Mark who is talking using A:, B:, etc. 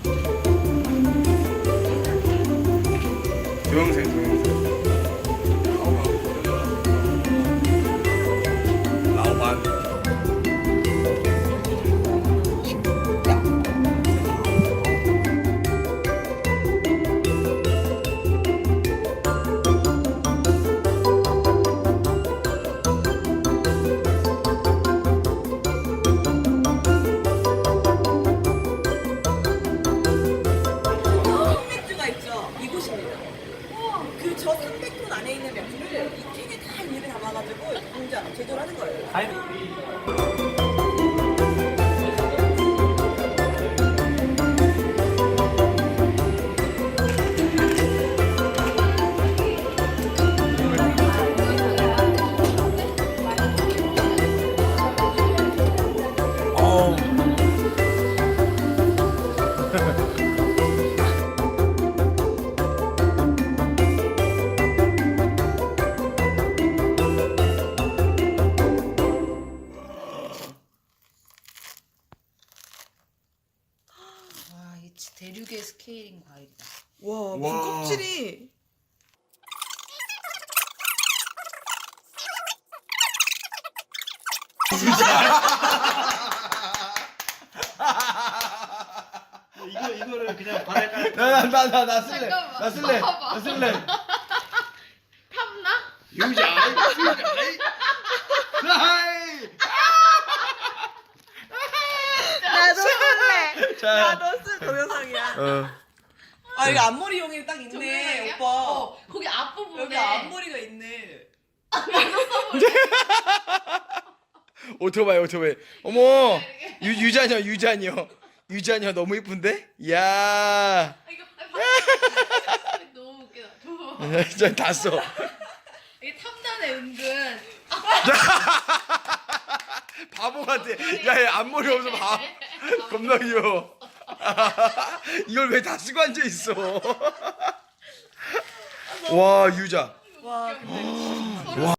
A: 동영상 동영상. 라오반.
B: 맥주가 있죠. 이곳입니다. 그 저 300톤 안에 있는 맥주를 이 캔에 다 일일이 담아가지고 공장 제조를 하는 거예요.
A: 어우.
C: 와, 이 대륙의 스케일인 과일이다.
B: 와, 무슨
A: 와.
B: 껍질이.
D: 이거를 그냥 바닥에 깔.
A: 나 쓸래.
C: 잠깐만.
A: 나 쓸래.
C: 봐봐.
A: 나 쓸래.
C: 탐나?
A: 유자. 하이.
B: 나도 쓸래.
A: 자.
B: 나도 쓸 동영상이야.
A: 어.
B: 아, 이거 앞머리용이 딱 있네,
C: 동영상이야?
B: 오빠.
C: 거기 앞부분에
B: 여기 앞머리가 있네.
A: 오토바이 오토바이. 어머. 유자녀. 유자녀 너무 이쁜데? 이야.
C: 이거 봤어. 너무 웃기다. 저
A: 진짜 다 써.
C: 이게 탐나네 은근.
A: 바보 같아. 야, 얘 앞머리 없어 봐. 겁나 귀여워. 이걸 왜 다 쓰고 앉아 있어? 와, 유자.
B: 와, 근데